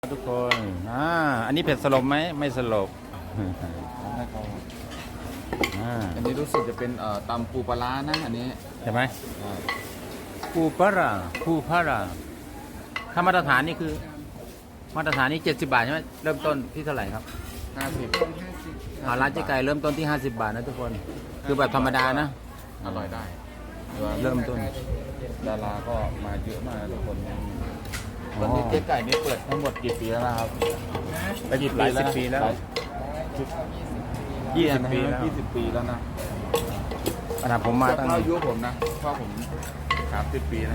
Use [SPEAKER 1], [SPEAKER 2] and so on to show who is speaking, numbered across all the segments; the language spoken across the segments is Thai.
[SPEAKER 1] ทุกคนอันนี้เผ็ดสลบไหมไม่สลบ
[SPEAKER 2] อันนี้รู้สึกจะเป็นตำปูปลาร้านะอันนี้
[SPEAKER 1] ใช่ไหมปูปลาร้าถ้ามาตรฐานนี่คือมาตรฐานนี่70 บาทใช่ไหมเริ่มต้นที่เท่าไหร่ครับ
[SPEAKER 2] 50
[SPEAKER 1] ร้านเจ๊ไก่เริ่มต้นที่50 บาทนะทุกคนคือแบบธรรมดานะ
[SPEAKER 2] อร่อยได้
[SPEAKER 1] เริ่มต้น
[SPEAKER 2] ดาราก็มาเยอะมากทุกคนตอนนี้เจ๊ไก่นี่เปิดทั้งหมดกี่ปีแล้วนะครับ
[SPEAKER 1] หลายสิบปีแล้ว20 ปีแล้ว
[SPEAKER 2] 20 ปีแล้วนะ
[SPEAKER 1] ขนาดผมมาตั้ง
[SPEAKER 2] อายุผมนะเพราะผม30 ปีนะ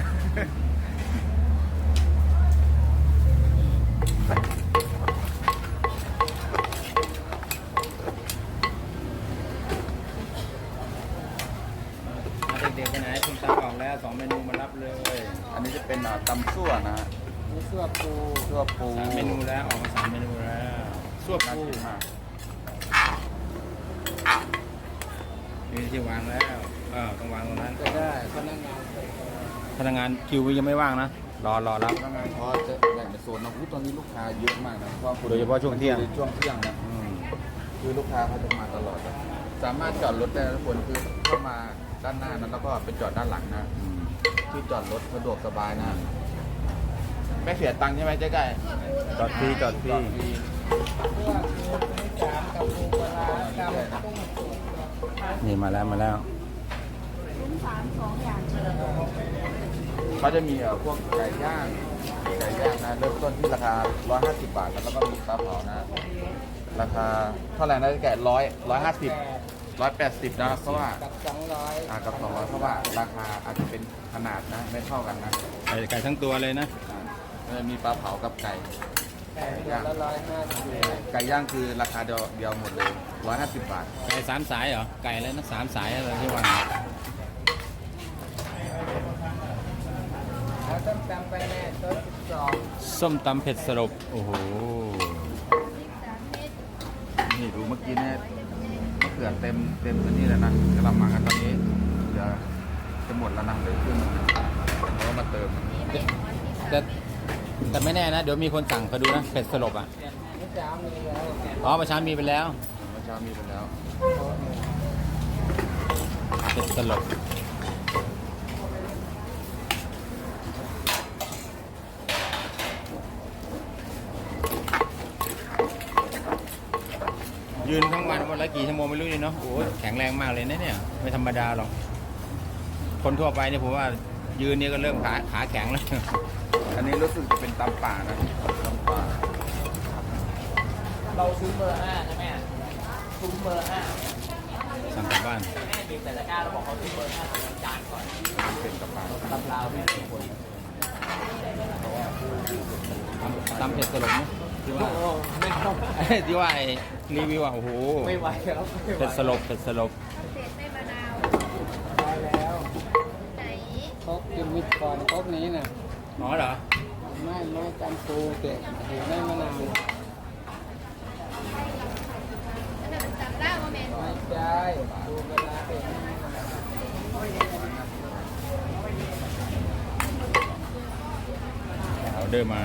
[SPEAKER 1] เด็กๆไปไหนคุณตาออกแล้ว2 เมนูมารับเลย
[SPEAKER 2] อันนี้จะเป็นตำซั่วนะฮะ
[SPEAKER 1] ซั่วปู3 เมนูแล้วออกมา3 เมนูแล้วซั่วปูมีที่วางแล้วต้องวางตรงนั้น
[SPEAKER 2] ก็ได้
[SPEAKER 1] พนักงานคิวยังไม่ว่างนะรอรับ
[SPEAKER 2] พนักงานพอจะแบ่งเป็นโซนนะตอนนี้ลูกค้าเยอะมากนะ
[SPEAKER 1] โดยเฉพาะช่วงเที่ยง
[SPEAKER 2] นะคือลูกค้าเขาจะมาตลอดสามารถจอดรถได้ทุกคนคือเข้ามาด้านหน้านั้นแล้วก็ไปจอดด้านหลังนะที่จอดรถสะดวกสบายนะไม่เสียตังค์ใช่ไหมเจ๊ไก่
[SPEAKER 1] จอดฟรีนี่มาแล้ว
[SPEAKER 2] เขาจะมีพวกไก่ย่างนะเริ่มต้นที่ราคา150 บาทแล้วก็มีปลาเผานะราคาเท่าไหร่นะแก่150 180นะเพราะว่า
[SPEAKER 3] กับ200
[SPEAKER 2] กับ200เพราะว่าราคาอาจจะเป็นขนาดนะไม่เท่ากันนะ
[SPEAKER 1] ไก่ทั้งตัวเลยนะ
[SPEAKER 2] มีปลาเผากับไก่
[SPEAKER 3] ย่าง
[SPEAKER 2] 150ไก่ย่างคือราคาเดียวหมดเลย150 บาท
[SPEAKER 1] ไก่3 สายเหรอไก่อะไรนะ3 สายอะไรที่ว่า
[SPEAKER 3] แล้วต้มตำไปแน่ต้น12
[SPEAKER 1] ส้มตำเผ็ดสลบโอ้โห
[SPEAKER 2] นี่ดูเมื่อกี้เนี่ยเกลือเต็มตัวนี้แล้วนะกำลังมากันตอนนี้จะหมดแล้วนะเลยขึ้นแล้วมาเติม
[SPEAKER 1] แต่ไม่แน่นะเดี๋ยวมีคนสั่งเขาดูนะเผ็ดสลบ
[SPEAKER 3] เมื่อเช้ามี
[SPEAKER 1] แล้วเมื่อเช้ามีไปแล้วเผ็ดสลบยืนทั้งวันละกี่ชั่วโมงไม่รู้เลยเนาะโอ้แข็งแรงมากเลยนะเนี่ยไม่ธรรมดาหรอกคนทั่วไปเนี่ยผมว่ายืนนี่ก็เริ่มขาแข็งแล้ว
[SPEAKER 2] อันนี้รู้สึกจะเป็นตำป่านะตำป่า
[SPEAKER 3] เราซื้อเบอร์5ใช่ไหมซื้อเบอร์5
[SPEAKER 1] สั่งกลับบ้าน
[SPEAKER 3] แม่บีบแต่ละก้าเราบอกเขาซื้อเบอร์5ทำจานก่อน
[SPEAKER 2] เป็นตำป่า
[SPEAKER 3] ตำลาวไม่มีคน
[SPEAKER 1] ตำเผ็ดสลบเนี่ยที่ว่ารีวิวโอ้โห
[SPEAKER 3] ไม่ไหวแล้ว
[SPEAKER 1] เผ็ดสลบ
[SPEAKER 4] เศษไส้มะนาว
[SPEAKER 3] ได้แล้ว
[SPEAKER 4] ไหน
[SPEAKER 3] ครกกินมิดก่อนครกนี้น่ะ
[SPEAKER 1] เหรอ
[SPEAKER 3] ไม่จำปูเด็ดถือได้มะนาว
[SPEAKER 4] อันนั้นจับได้ว่าแมน
[SPEAKER 3] ไม่ใช่ปูกระดาษเป็น
[SPEAKER 1] ออเดอร์มา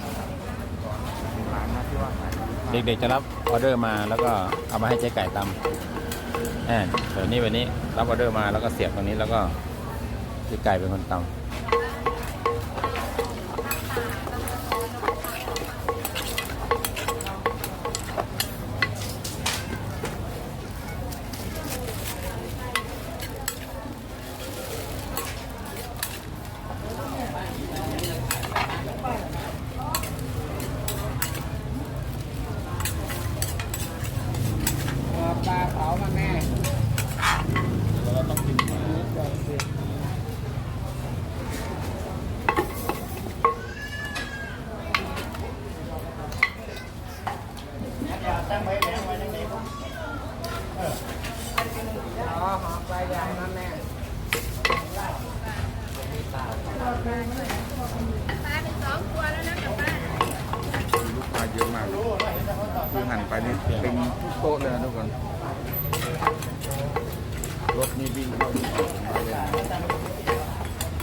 [SPEAKER 1] เด็กๆจะรับออเดอร์มาแล้วก็เอามาให้เจ๊ไก่ตำเดี๋ยวนี้วันนี้รับออเดอร์มาแล้วก็เสียบตรงนี้แล้วก็เจ๊ไก่เป็นคนตำ
[SPEAKER 3] ปลาเผามาแม่
[SPEAKER 2] เราต้องกิน
[SPEAKER 3] ตั้งไว้แล้วไว้ในนี้หอมปลาใหญ่มาแม่
[SPEAKER 4] ปลาเป็น2 ตัวแล้วนะกลับบ้าน
[SPEAKER 2] ลูกค้าเยอะมากคือหั่นไปนี่เต็มทุกโต๊ะเลยนะทุกคนรถนี่วิ่งเข้ามาเลย
[SPEAKER 4] เ